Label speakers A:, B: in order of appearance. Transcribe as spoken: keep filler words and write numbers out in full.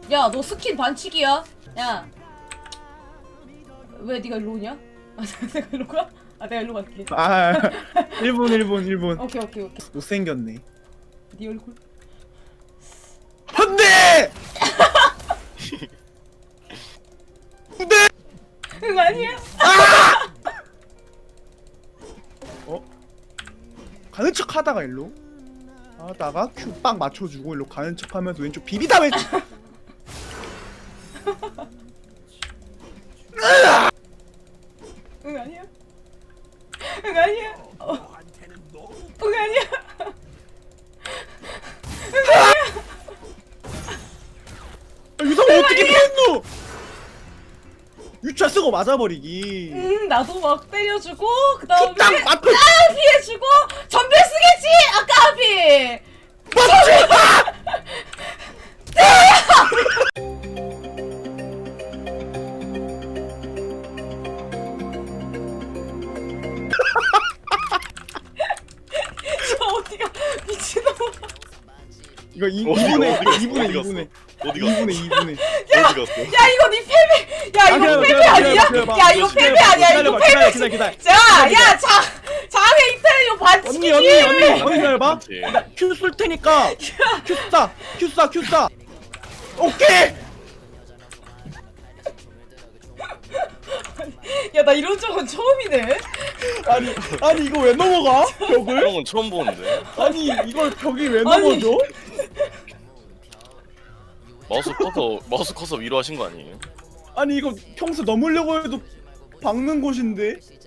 A: 야, 너 스킨 반칙이야. 야. 왜 네가 일로 오냐? 아, 내가 일로 가? 아, 내가 일로 갈게.
B: 아 일본 일본 일본.
A: 오케이, 오케이, 오케이.
B: 못생겼네.
A: 네 얼굴.
B: 안돼. 안돼.
A: 응, 아니야.
B: 어? 가는 척 하다가 일로 하다가 큐 빵 맞춰주고 일로 가는 척 하면서 왼쪽 비비다 왼쪽.
A: 응, 아니야. 응, 아니야. 어. 응, 아니야.
B: 유성 어떻게 피했노? 유차 쓰고 맞아버리기.
A: 응, 나도 막 때려주고 그 다음에
B: 딱 맞고
A: 아, 피해주고 전멸 쓰겠지. 아까 앞이. 저 어디가 미친놈아.
B: 이거 이
C: 어디가,
B: 이분의
C: 어디가,
B: 이분의
C: 어디가
B: 이분의
C: 어디 갔어?
B: 이분의 이분의.
C: 어디 갔어?
A: 야, 이거 네 패배. 야,
B: 아,
A: 이거
B: 기다려봐,
A: 패배
B: 기다려봐,
A: 아니야?
B: 기다려봐.
A: 야, 이거 패배
B: 기다려봐,
A: 아니야? 이거
B: 기다려봐,
A: 패배.
B: 기다려, 기다려, 기다려.
A: 자, 야, 자, 장애 이탈 이거 반칙이지.
B: 언니 언니 언니 언니 기다려봐.
C: 그렇지.
B: 큐 쏠 테니까 큐 쏴, 큐 쏴, 큐 쏴. 오케이.
A: 야, 나 이런 적은 처음이네.
B: 아니 아니 이거 왜 넘어가? 벽을?
C: 그런 건 처음 보는데.
B: 아니 이걸 벽이 왜
A: 아니.
B: 넘어져?
C: 마우스 커서 마우스 커서 위로 하신 거 아니에요?
B: 아니 이거 평소 넘으려고 해도 박는 곳인데.